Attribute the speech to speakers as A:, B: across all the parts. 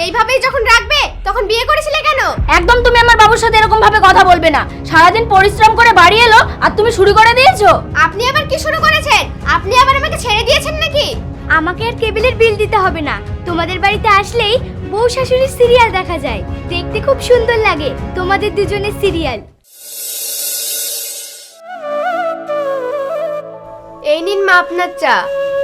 A: এইভাবেই যখন রাখবে তখন বিয়ে করেছিলে কেন?
B: একদম তুমি আমার বাবুর সাথে এরকম ভাবে কথা বলবে না। সারাদিন পরিশ্রম করে বাড়ি এলো আর তুমি শুরু করে দিয়েছো।
A: আপনি আবার কি শুরু করেছেন? আপনি আবার আমাকে ছেড়ে দিয়েছেন নাকি?
C: আমাকে আর কেবিলের বিল দিতে হবে না। তোমাদের বাড়িতে আসলেই বউ শাশুড়ির সিরিয়াল দেখা যায়, দেখতে খুব সুন্দর লাগে তোমাদের দুজনের সিরিয়াল।
A: এই নিন মা আপনার চা।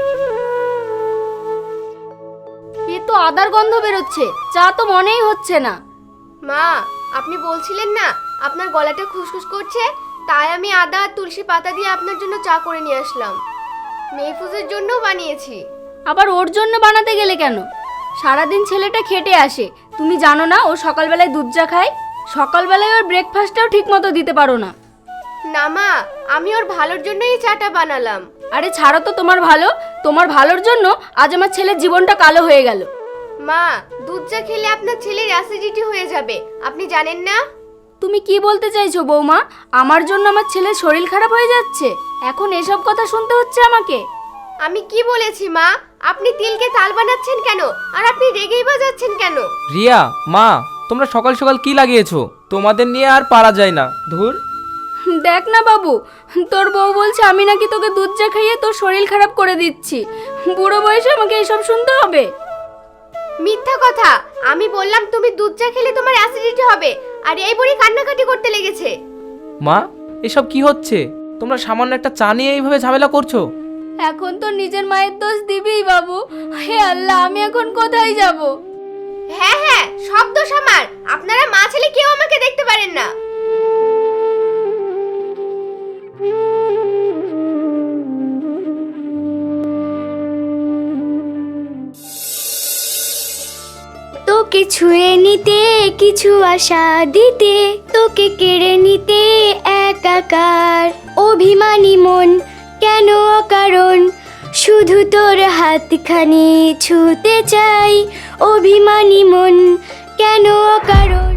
B: এ তো আদার গন্ধ বেরোচ্ছে, চা তো মনেই হচ্ছে না।
A: মা, আপনি বলছিলেন না আপনার গলাটা খুসখুস করছে, তাই আমি আদা আর তুলসী পাতা দিয়ে আপনার জন্য চা করে নিয়ে আসলাম। মেহফুজের জন্যও বানিয়েছি।
B: আবার ওর জন্য বানাতে গেলে কেন? সারাদিন ছেলেটা খেটে আসে, তুমি জানো না ও সকালবেলায় দুধ চা খায়? সকালবেলায় ওর ব্রেকফাস্টটাও ঠিক মতো দিতে পারো না।
A: না মা, আমি ওর ভালোর জন্যই এই চাটা বানালাম।
B: আরে ছাড়ো তো, তোমার ভালোর জন্য আজ আমার ছেলের জীবনটা কালো হয়ে গেল।
A: মা, দুধ চা খেলে আপনার ছেলের অ্যাসিডিটি হয়ে যাবে, আপনি জানেন না?
B: তুমি কি বলতে চাইছো বৌমা? আমার জন্য আমার ছেলের শরীর খারাপ হয়ে যাচ্ছে, এখন এসব কথা শুনতে হচ্ছে আমাকে?
A: আমি কি বলেছি মা? আপনি তিলকে তাল বানাচ্ছেন কেন? আর আপনি রেগেই বাজাচ্ছেন কেন?
D: রিয়া, মা, তোমরা সকাল সকাল কি লাগিয়েছো? তোমাদের নিয়ে আর পারা যায় না। ধুর।
B: দেখ না বাবু, তোর বউ বলছে আমি নাকি তোকে দুধ চা খাইয়ে তোর শরীর খারাপ করে দিচ্ছি। বুড়ো বয়সে আমাকে এসব শুনতে হবে?
A: মিথ্যা কথা। আমি বললাম তুমি দুধ চা খেলে তোমার অ্যাসিডিটি হবে, আর এই বুড়ি কান্নাকাটি করতে লেগেছে।
D: মা, এসব কি হচ্ছে? তোমরা সামান্য একটা চা নিয়ে এইভাবে ঝামেলা করছো?
B: এখন তো নিজের মায়ের দোষ দিবিই বাবু। হে আল্লাহ, আমি এখন কোথায় যাব?
A: হ্যাঁ হ্যাঁ, সব দোষ আমার। আপনারা মা ছেলে কেউ আমাকে দেখতে পারেন না।
C: তোকে ছুঁয়ে নিতে কিছু আশা দিতে, তোকে কেড়ে নিতে একাকার অভিমানী মন, কেন অকারণ শুধু তোর হাতখানি ছুঁতে চাই। অভিমানী মন, কেন অকারণ।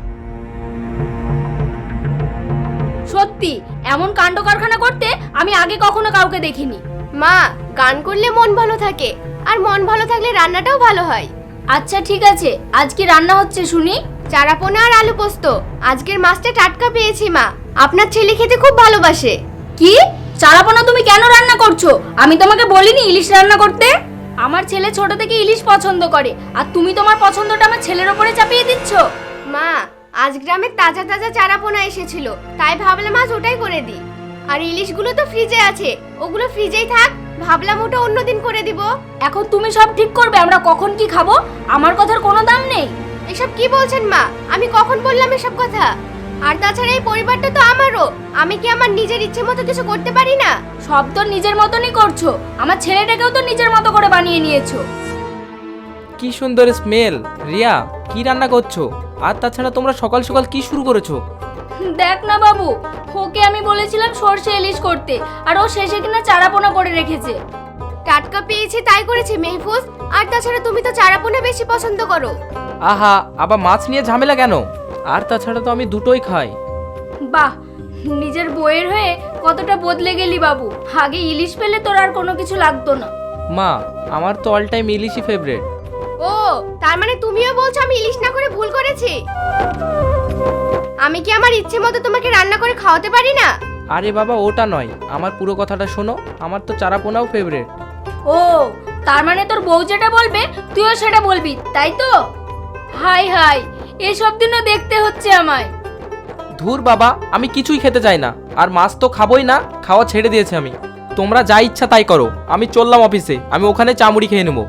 B: সত্যি এমন কাণ্ড কারখানা করতে আমি আগে কখনো কাউকে দেখিনি।
A: মা, গান করলে মন ভালো থাকে, আর মন ভালো থাকলে রান্নাটাও ভালো হয়।
B: আচ্ছা ঠিক আছে, আজ কি রান্না হচ্ছে শুনি?
A: চারাপোনা আর আলু পোস্ত। আজকের মাছটা টাটকা পেয়েছি মা, আপনার ছেলে খেতে খুব ভালোবাসে।
B: কি চারাপোনা তুমি কেন রান্না করছো? আমি তোমাকে বলিনি ইলিশ রান্না করতে? আমার ছেলে ছোট থেকে ইলিশ পছন্দ করে, আর তুমি তোমার পছন্দটা আমার ছেলের ওপরে চাপিয়ে দিচ্ছ।
A: মা, আজ গ্রামে তাজা তাজা চারাপোনা এসেছিল, তাই ভাবলাম আজ ওটাই করে দিই। আর ইলিশগুলো তো ফ্রিজে আছে, ওগুলো ফ্রিজেই থাক, ভাবলাম ওটা অন্যদিন করে দিব।
B: এখন তুমি সব ঠিক করবে আমরা কখন কি খাবো? আমার কথার কোনো দাম নেই।
A: এসব কি বলছেন মা? আমি কখন বললাম এসব কথা? আর তাছাড়া এই পরিবারটা তো আমারও, আমি কি আমার নিজের ইচ্ছে মতো কিছু করতে পারি না?
B: সব তো নিজের মতনই করছো, আমার ছেলেটাকেও তো নিজের মতো করে বানিয়ে নিয়েছো।
D: কি সুন্দর স্মেল। রিয়া, কি রান্না করছো? আর তাছাড়া তোমরা সকাল সকাল কি শুরু করেছো?
B: দেখ না বাবু, ওকে আমি বলেছিলাম সর্ষে ইলিশ করতে, আর ও শেষে কিনা চারাপোনা করে রেখেছে।
A: টাটকা পেয়েছি তাই করেছে মেহফুজ। আর তাছাড়া তুমি তো চারাপোনা বেশি পছন্দ করো।
D: আহা, আবার মাছ নিয়ে ঝামেলা কেন? আর তাছাড়া তো আমি দুটোই খাই।
B: বাহ, নিজের বউয়ের হয়ে কতটা বদলে গেলি বাবু। আগে ইলিশ পেলে তোর আর কোনো কিছু লাগতো না।
D: মা, আমার তো অল টাইম ইলিশই ফেভারিট।
A: ও, তার মানে তুমিও বলছো আমি ইলিশ না করে ভুল করেছি? আমি কি আমার ইচ্ছে মতো তোমাকে রান্না করে খাওয়াতে পারি না?
D: আরে বাবা, ওটা নয়, আমার পুরো কথাটা শোনো। আমার তো চারাপোনাও ফেভারিট।
B: ও, তার মানে তোর বউ যেটা বলবে তুইও সেটা বলবি, তাই তো? হাই হাই, এসব দিনও দেখতে হচ্ছে আমায়।
D: ধুর বাবা, আমি কিছুই খেতে চাই না, আর মাছ তো খাবোই না, খাওয়া ছেড়ে দিয়েছি আমি। তোমরা যা ইচ্ছা তাই করো, আমি চললাম অফিসে, আমি ওখানে চামড়ি খেয়ে নেবো।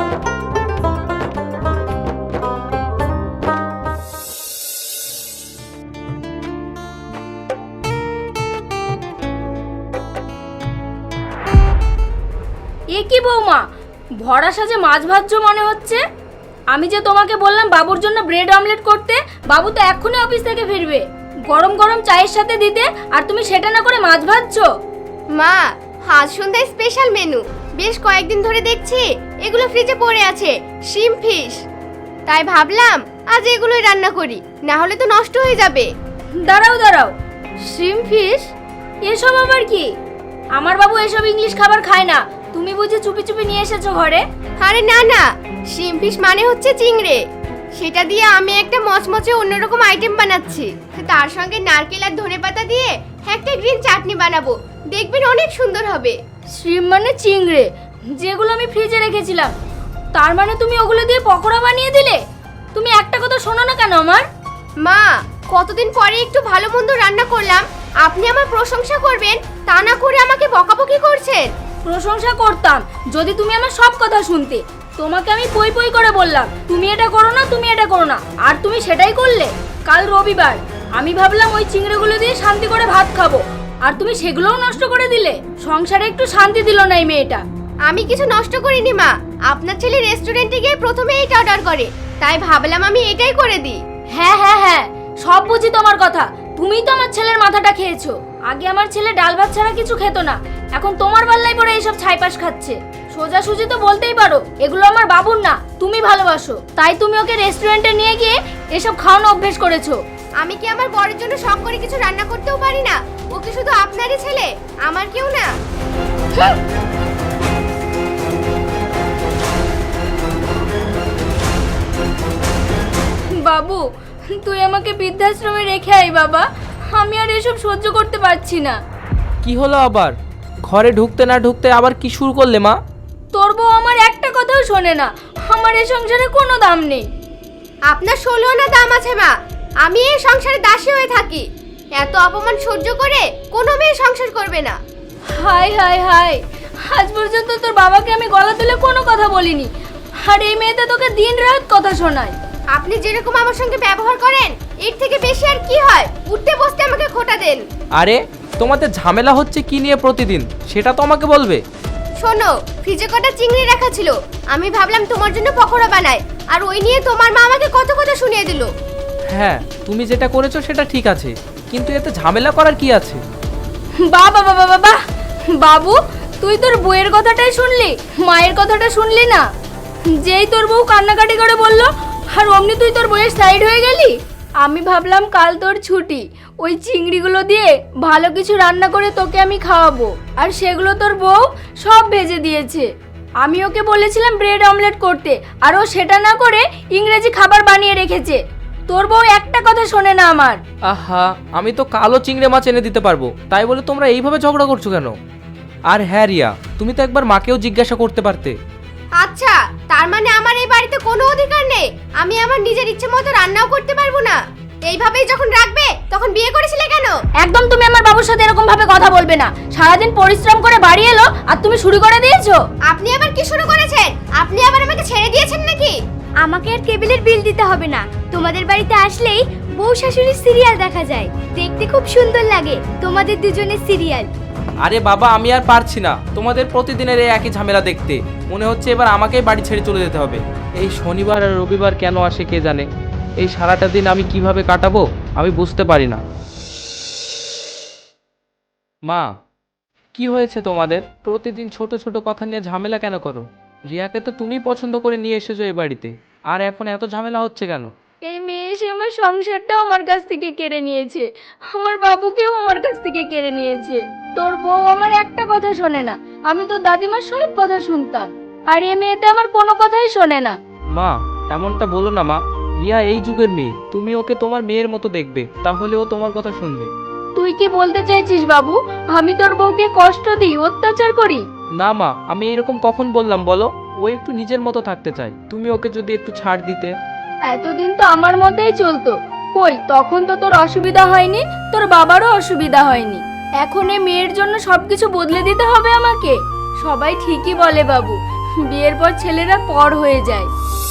B: এ কি বৌমা, ভরা সাজে মাছ ভাজছো মনে হচ্ছে? আমি যে তোমাকে বললাম বাবুর জন্য ব্রেড অমলেট করতে, বাবু তো এক্ষুনি অফিস থেকে ফিরবে। গরম গরম চায়ের সাথে দিতে, আর তুমি সেটা না করে মাছ ভাজছো।
A: মা, আজ সন্ধ্যায় স্পেশাল মেনু। বেশ কয়েকদিন ধরে দেখছি এগুলো ফ্রিজে পড়ে আছে, শিম ফিশ। তাই ভাবলাম আজ এগুলোই রান্না করি, না হলে তো নষ্ট হয়ে যাবে।
B: দাঁড়াও, শ্রিম ফিশ এসব আবার কি? আমার বাবু এসব ইংলিশ খাবার খায় না, তুমি বুঝি চুপি চুপি নিয়ে এসেছো ঘরে?
A: আরে না না, শিম ফিশ মানে হচ্ছে চিংড়ে। সেটা দিয়ে আমি একটা মচমচে অন্যরকম আইটেম বানাচ্ছি। তার সঙ্গে নারকেল আর ধনেপাতা দিয়ে একটা গ্রিন চাটনি বানাবো, দেখবেন অনেক সুন্দর হবে।
B: শ্রিম মানে চিংড়ে, যেগুলো আমি ফ্রিজে রেখেছিলাম। তার মানে তুমি ওগুলো দিয়ে পকোড়া বানিয়ে দিলে? তুমি একটা কথা শোনো না কেন আমার?
A: মা, কতদিন পরে একটু ভালো মন্দ রান্না করলাম, আপনি আমার প্রশংসা করবেন তা না করে আমাকে বকাবকি করছেন।
B: প্রশংসা করতাম যদি তুমি আমার সব কথা শুনতে। তোমাকে আমি পই পই করে বললাম তুমি এটা করো না, তুমি এটা করো না, আর তুমি সেটাই করলে। কাল রবিবার, আমি ভাবলাম ওই চিংড়িগুলো দিয়ে শান্তি করে ভাত খাবো, আর তুমি সেগুলোও নষ্ট করে দিলে। সংসারে একটু শান্তি দিল না এই মেয়েটা।
A: আমি কিছু নষ্ট করিনি মা, আপনার ছেলে রেস্টুরেন্টে গিয়ে প্রথমে এইটা অর্ডার করে, তাই ভাবলাম আমি এটাই করে দিই।
B: হ্যাঁ হ্যাঁ হ্যাঁ, সব বুঝি তোমার কথা। তুমিই তো আমার ছেলের মাথাটা খেয়েছো। আগে আমার ছেলে ডাল ভাত ছাড়া কিছু খেত না, এখন তোমার পাল্লায় পড়ে এইসব ছাইপাশ খাচ্ছে। সোজাসুজি তো বলতেই পারো এগুলো আমার বাবুর না, তুমি ভালোবাসো, তাই তুমি ওকে রেস্টুরেন্টে নিয়ে গিয়ে এসব খাওয়ানো অভ্যেস করেছো।
A: আমি কি আমার বরের জন্য শখ করে কিছু রান্না করতেও পারি না? ও কি শুধু আপনারই ছেলে, আমার কেউ না?
B: বাবু, তুই আমাকে বৃদ্ধাশ্রমে রেখে আয় বাবা, আমি আর এসব সহ্য করতে পারছি না।
D: কি হলো আবার? ঘরে ঢুকতে না ঢুকতে আবার কি শুরু করলে মা?
B: তোর বউ আমার একটা কথাও শোনে না, আমার এই সংসারে কোনো দাম নেই।
A: আপনার 16 আনা দাম আছে মা, আমি এই সংসারে দাসী হয়ে থাকি। এত অপমান সহ্য করে কোনো মেয়ে সংসার করবে না।
B: হাই হাই হাই, আজ পর্যন্ত তোর বাবাকে আমি গলা তুলে কোনো কথা বলিনি, আর এই মেয়েটা তোকে দিন রাত কথা শোনায়।
A: আপনি যেরকম আমার সঙ্গে ব্যবহার করেন এর থেকে বেশি আর কি হয়? উঠতে বসতে আমাকে খোটা দেন।
D: আরে তোমাদের ঝামেলা হচ্ছে কি নিয়ে প্রতিদিন, সেটা তো আমাকে বলবে।
A: শোনো, ফ্রিজে কটা চিংড়ি রাখা ছিল, আমি ভাবলাম তোমার জন্য পকোড়া বানাই, আর ওই নিয়ে তোমার মা আমাকে কত কথা শুনিয়ে দিল।
D: হ্যাঁ, তুমি যেটা করেছো সেটা ঠিক আছে, কিন্তু এতে ঝামেলা করার কি আছে?
B: বাবা বাবা বাবা, বাবু তুই তোর বউয়ের কথাটাই শুনলি, মায়ের কথাটা শুনলি না? যেই তোর বউ কান্নাকাটি করে বললো, আর অমনি তুই তোর বউয়ের সাইড হয়ে গেলি। আমি ভাবলাম কাল তোর ছুটি, ওই চিংড়িগুলো দিয়ে ভালো কিছু রান্না করে তোকে আমি খাওয়াবো, আর সেগুলো তোর বউ সব ভেজে দিয়েছে। আমি ওকে বলেছিলাম ব্রেড অমলেট করতে, আর ও সেটা না করে ইংরেজি খাবার বানিয়ে রেখেছে। তোর বউ একটা কথা শোনে না আমার।
D: আহা, আমি তো কালো চিংড়ি মাছ এনে দিতে পারবো, তাই বলে তোমরা এইভাবে ঝগড়া করছো কেন? আর হ্যাঁ রিয়া, তুমি তো একবার মাকেও জিজ্ঞাসা করতে পারতে।
A: আচ্ছা, তার মানে আমার এই বাড়িতে কোনো অধিকার নেই? আমি আমার নিজের ইচ্ছে মতো রান্নাও করতে পারবো না? এইভাবেই যখন রাখবে তখন বিয়ে করেছিলে কেন?
B: একদম তুমি আমার বাবুর সাথে এরকম ভাবে কথা বলবে না। সারাদিন পরিশ্রম করে বাড়ি এলো আর তুমি শুরু করে দিয়েছো।
A: আপনি আবার কি শুরু করেছেন? আপনি আবার আমাকে ছেড়ে দিয়েছেন নাকি?
C: আমাকে আর কেবিলের বিল দিতে হবে না। তোমাদের বাড়িতে আসলেই বউ শাশুড়ির সিরিয়াল দেখা যায়, দেখতে খুব সুন্দর লাগে তোমাদের দুজনের সিরিয়াল।
D: আরে বাবা, আমি আর পারছি না তোমাদের প্রতিদিনের এই একই ঝামেলা দেখতে। মনে হচ্ছে এবার আমাকেই বাড়ি ছেড়ে চলে যেতে হবে। এই শনিবার আর রবিবার কেন আসে কে জানে। এই সারাটা দিন আমি কিভাবে কাটাবো আমি বুঝতে পারি না। মা, কি হয়েছে তোমাদের? প্রতিদিন ছোট ছোট কথা নিয়ে ঝামেলা কেন করো? রিয়াকে তো তুমি পছন্দ করে নিয়ে এসেছো এই বাড়িতে, আর এখন এত ঝামেলা হচ্ছে কেন?
B: এই মেয়ে এসে আমার সংসারটাও আমার কাছ থেকে কেড়ে নিয়েছে, আমার বাবুকেও আমার কাছ থেকে কেড়ে নিয়েছে। তোর বউ আমার একটা কথা শোনে না, আমি তো দাদিমার সব কথা শুনতাম, আর এই মেয়েটা আমার কোনো কথাই শোনে না।
D: মা, এমনটা বলো না মা। রিয়া এই যুগের মেয়ে, তুমি ওকে তোমার মেয়ের মতো দেখবে, তাহলে ও তোমার কথা শুনবে।
B: তুই কি বলতে চাইছিস বাবু, আমি তোর বউকে কষ্ট দিই, অত্যাচার করি?
D: না মা, আমি এরকম কখন বললাম বলো? ও একটু নিজের মতো থাকতে চায়, তুমি ওকে যদি একটু ছাড় দিতে।
B: এতদিন তো আমার মতেই চলতো, কই তখন তো তোর অসুবিধা হয়নি, তোর বাবারও অসুবিধা হয়নি। এখন এই মেয়ের জন্য সবকিছু বদলে দিতে হবে আমাকে? সবাই ঠিকই বলে বাবু, বিয়ের পর ছেলেরা পর হয়ে যায়।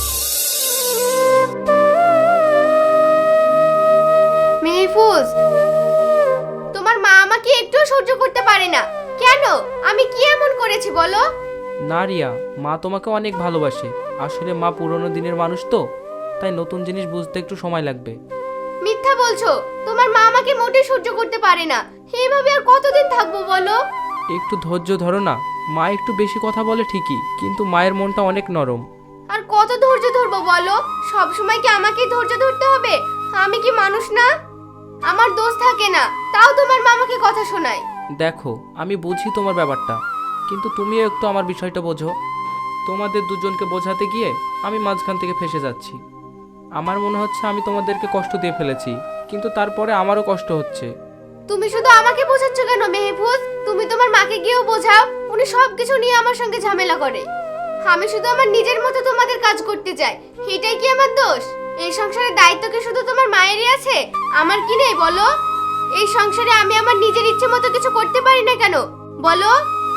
A: মেহফুজ, তোমার মা আমাকে একটু সহ্য করতে পারে না কেন? আমি কি এমন করেছি বলো?
D: না রিয়া, মা তোমাকে অনেক ভালোবাসে। আসলে মা পুরনো দিনের মানুষ তো, তাই নতুন জিনিস বুঝতে একটু সময় লাগবে।
A: মিথ্যা বলছো, তোমার মা আমাকে মোটেই সহ্য করতে পারে না। এইভাবে আর কতদিন থাকবো বলো?
D: একটু ধৈর্য ধরো না। মা একটু বেশি কথা বলে ঠিকই, কিন্তু মায়ের মনটা অনেক নরম।
A: আর কত ধৈর্য ধরবো বলো? সব সময় কি আমাকেই ধৈর্য ধরতে হবে? আমি কি মানুষ না? আমার দোষ থাকে না, তাও তোমার মা আমাকে কথা শোনায়।
D: দেখো, আমি বুঝি তোমার ব্যাপারটা, কিন্তু তুমিও একটু আমার বিষয়টা বোঝো। তোমাদের দুজনকে বোঝাতে গিয়ে আমি মাঝখান থেকে ফেসে যাচ্ছি। আমার মনে হচ্ছে আমি তোমাদেরকে কষ্ট দিয়ে ফেলেছি, কিন্তু তারপরে আমারও কষ্ট হচ্ছে।
A: তুমি শুধু আমাকে বোঝাচ্ছ কেন মেহফুজ? তুমি তোমার মাকে গিয়েও বোঝাও, উনি সব কিছু নিয়ে আমার সঙ্গে ঝামেলা করে। আমি শুধু আমার নিজের মতো তোমাদের কাজ করতে চাই, এটাই কি আমার দোষ? এই সংসারের দায়িত্ব কি শুধু তোমার মায়েরই আছে, আমার কি নেই বলো? এই সংসারে আমি আমার নিজের ইচ্ছে মতো কিছু করতে পারি না কেন বলো?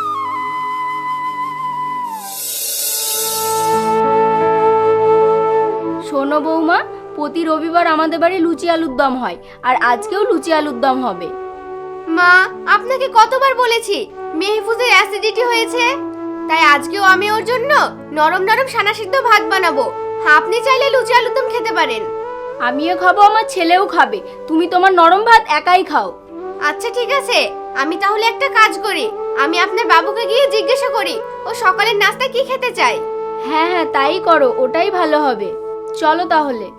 B: শোনো বৌমা, প্রতি রবিবার আমাদের বাড়ি লুচি আলুর দম হয়, আর আজকেও লুচি আলুর দম হবে।
A: মা, আপনাকে কতবার বলেছি মেহফুজের অ্যাসিডিটি হয়েছে, তাই আজকেও আমি ওর জন্য নরম নরম সানা সিদ্ধ ভাত বানাবো। আপনি চাইলে লুচি আলুর দম খেতে পারেন।
B: আমিও খাবো, আমার ছেলেও খাবে। তুমি তোমার নরম ভাত একাই খাও।
A: আচ্ছা ঠিক আছে, আমি তাহলে একটা কাজ করি, আমি আপনার বাবুকে গিয়ে জিজ্ঞাসা করি ও সকালের নাস্তা কি খেতে চায়।
B: হ্যাঁ হ্যাঁ, তাই করো, ওটাই ভালো হবে। চলো তাহলে।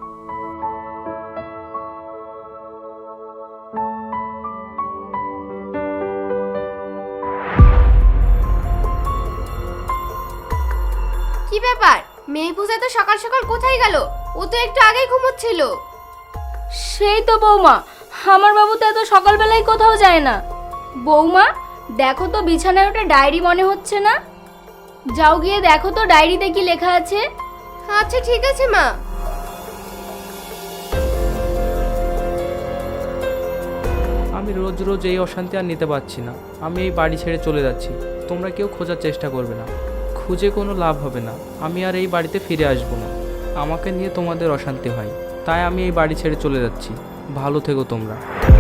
A: কি ব্যাপার, মেহফুজ এত সকাল সকাল কোথায় গেল? ও তো একটু আগেই ঘুমোচ্ছিল।
B: সেই তো বৌমা, আমার বাবু তো এত সকালবেলায় কোথাও যায় না। বৌমা, দেখো তো বিছানায় ওটা ডায়েরি মনে হচ্ছে না? যাও গিয়ে দেখো তো ডায়েরিতে কি লেখা আছে।
A: আচ্ছা ঠিক আছে মা।
D: আমি রোজ রোজ এই অশান্তি আর নিতে পারছি না। আমি এই বাড়ি ছেড়ে চলে যাচ্ছি। তোমরা কেউ খোঁজার চেষ্টা করবে না, খুঁজে কোনো লাভ হবে না। আমি আর এই বাড়িতে ফিরে আসবো না। আমাকে নিয়ে তোমাদের অশান্তি হয়, তাই আমি এই বাড়ি ছেড়ে চলে যাচ্ছি। ভালো থেকো তোমরা।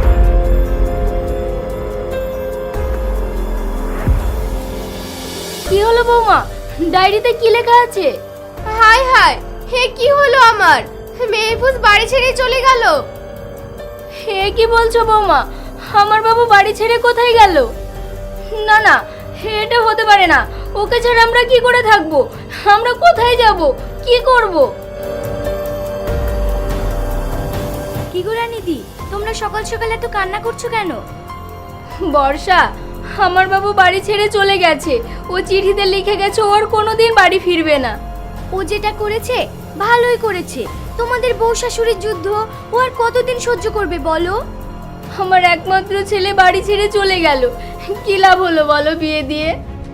B: কি হলো বৌমা, ডায়েরিতে কি লেখা আছে?
A: হায় হায়, হে কি হলো আমার? মেহফুজ বাড়ি ছেড়ে চলে গেল।
B: হে কি বলছো বৌমা? আমার বাবু বাড়ি ছেড়ে কোথায় গেল? না না, এটা হতে পারে না। ওকে ছাড়া আমরা কি করে থাকবো? আমরা কোথায় যাব, কি করব?
C: কি গো রানীদি, তোমরা সকাল সকাল এত কান্না করছো কেন?
B: বর্ষা, আমার বাবু বাড়ি ছেড়ে চলে গেছে। ও চিঠিতে লিখে গেছে ওর কোনোদিন বাড়ি ফিরবে না।
C: ও যেটা করেছে ভালোই করেছে। তোমাদের বউ শাশুড়ির যুদ্ধ ও আর কতদিন সহ্য করবে বলো?
B: আমার একমাত্র ছেলে বাড়ি ছেড়ে চলে গেল, কি লাভ হলো বলো বিয়ে দিয়ে?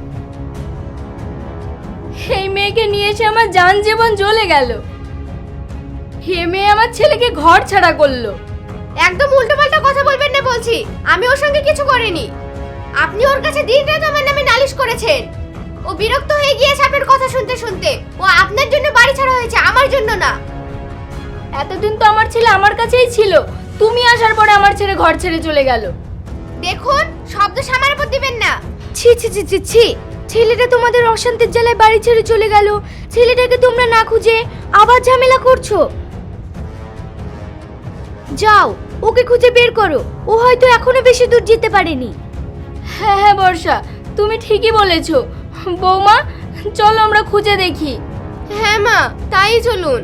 B: এই মেয়েকে নিয়ে এসে আমার জান জীবন জ্বলে গেল। হে মেয়ে আমার ছেলেকে ঘর ছাড়া করলো।
A: একদম উল্টোপাল্টা কথা বলবেন না বলছি। আমি ওর সঙ্গে কিছু করিনি। আপনি ওর কাছে দিনরাত আমার নামে নালিশ করেছেন। ও বিরক্ত হয়ে গিয়েছে আপনার কথা শুনতে শুনতে। ও আপনার জন্য বাড়ি ছাড়া হয়েছে, আমার জন্য না।
B: এতদিন তো আমার ছেলে আমার কাছেই ছিল, তুমি আসার পরে আমার ছেলে ঘর ছেড়ে চলে গেল।
A: দেখুন, শব্দ সামার উপর দিবেন না।
C: ছি ছি ছি ছি ছি, ছেলেটা তোমাদের অশান্তির জ্বালায় বাড়ি ছেড়ে চলে গেল, ছেলেটাকে তোমরা না খুঁজে আবার ঝামেলা করছো। যাও, ওকে খুঁজে বের করো। ও হয়তো এখনো বেশি দূর যেতে পারেনি।
B: হ্যাঁ হ্যাঁ বর্ষা, তুমি ঠিকই বলেছো। বৌমা, চলো আমরা খুঁজে দেখি।
A: হ্যাঁ মা, তাই চলুন।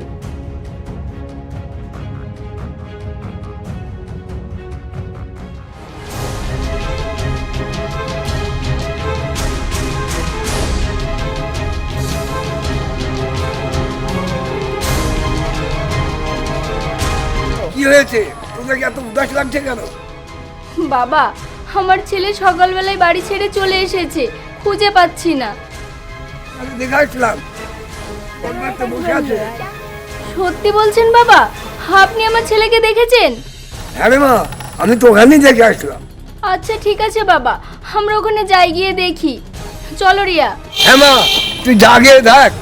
E: কি হয়েছে? তোদেরকে এত উদাস লাগছে কেন?
B: বাবা, আমার ছেলে সকালবেলায় বাড়ি ছেড়ে চলে এসেছে, খুঁজে পাচ্ছি না।
E: আমি দেখে আসলাম তো বসে আছে।
B: সত্যি বলছেন বাবা? আপনি আমার ছেলেকে দেখেছেন?
E: হ্যাঁ রে মা, আমি তো ওখানেই দেখে আসলাম।
B: আচ্ছা ঠিক আছে বাবা, আমরা ওখানে যাই, গিয়ে দেখি। চলো রিয়া।
E: হ্যাঁ মা, তুই যা গিয়ে দেখ।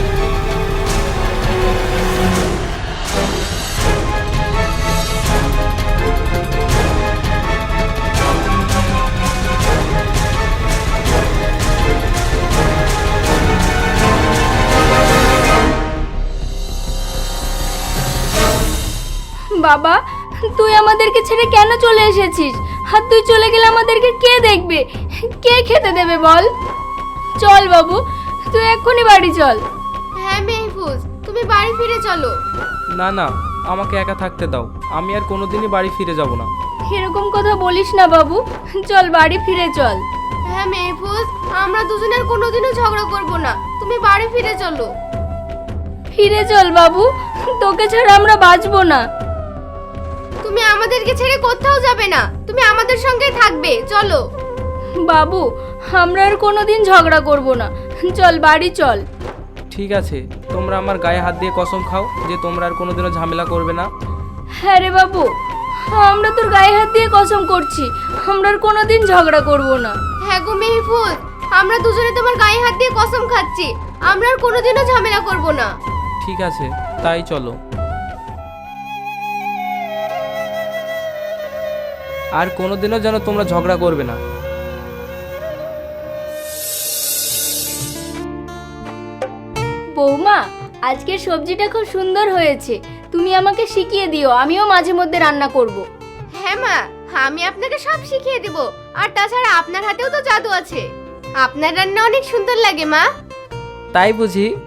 B: বাবা, তুই আমাদেরকে ছেড়ে কেন চলে এসেছিস? আর তুই চলে গেলে আমাদেরকে কে দেখবে, কে খেতে দেবে বল? চল বাবু, তুই এক্ষুনি বাড়ি চল।
A: হ্যাঁ মেহফুজ, তুমি বাড়ি ফিরে চলো।
D: না না, আমাকে একা থাকতে দাও। আমি আর কোনোদিনই বাড়ি ফিরে যাব না।
B: এরকম কথা বলিস না বাবু, চল বাড়ি ফিরে চল।
A: হ্যাঁ মেহফুজ, আমরা দুজনের কোনোদিনও ঝগড়া করব না। তুমি বাড়ি ফিরে চলো।
B: ফিরে চল বাবু, তোকে ছাড়া আমরা বাঁচবো না।
A: তুমি আমাদেরকে ছেড়ে কোথাও যাবে না, তুমি আমাদের সঙ্গেই থাকবে, চলো।
B: বাবু, আমরা আর কোনোদিন ঝগড়া করব না, চল বাড়ি চল।
D: ঠিক আছে, তোমরা আমার গায়ে হাত দিয়ে কসম খাও যে তোমরা আর কোনোদিনও ঝামেলা করবে না।
B: হ্যাঁ রে বাবু, আমরা তোর গায়ে হাত দিয়ে কসম করছি, আমরা আর কোনোদিন ঝগড়া করব না।
A: হ্যাঁ গো মেহফুজ, আমরা দুজনে তোমার গায়ে হাত দিয়ে কসম খাচ্ছি, আমরা আর কোনোদিনও ঝামেলা করব না।
D: ঠিক আছে, তাই চলো। আর কোনোদিনও যেন তোমরা ঝগড়া করবে না।
B: বৌমা, আজকের সবজিটা খুব সুন্দর হয়েছে, তুমি আমাকে শিখিয়ে দিও, আমিও মাঝে মধ্যে রান্না করব।
A: হ্যাঁ মা, আমি আপনাকে সব শিখিয়ে দেব। আর তাছাড়া আপনার হাতেও তো জাদু আছে, আপনার রান্না অনেক সুন্দর লাগে মা।
D: তাই বুঝি?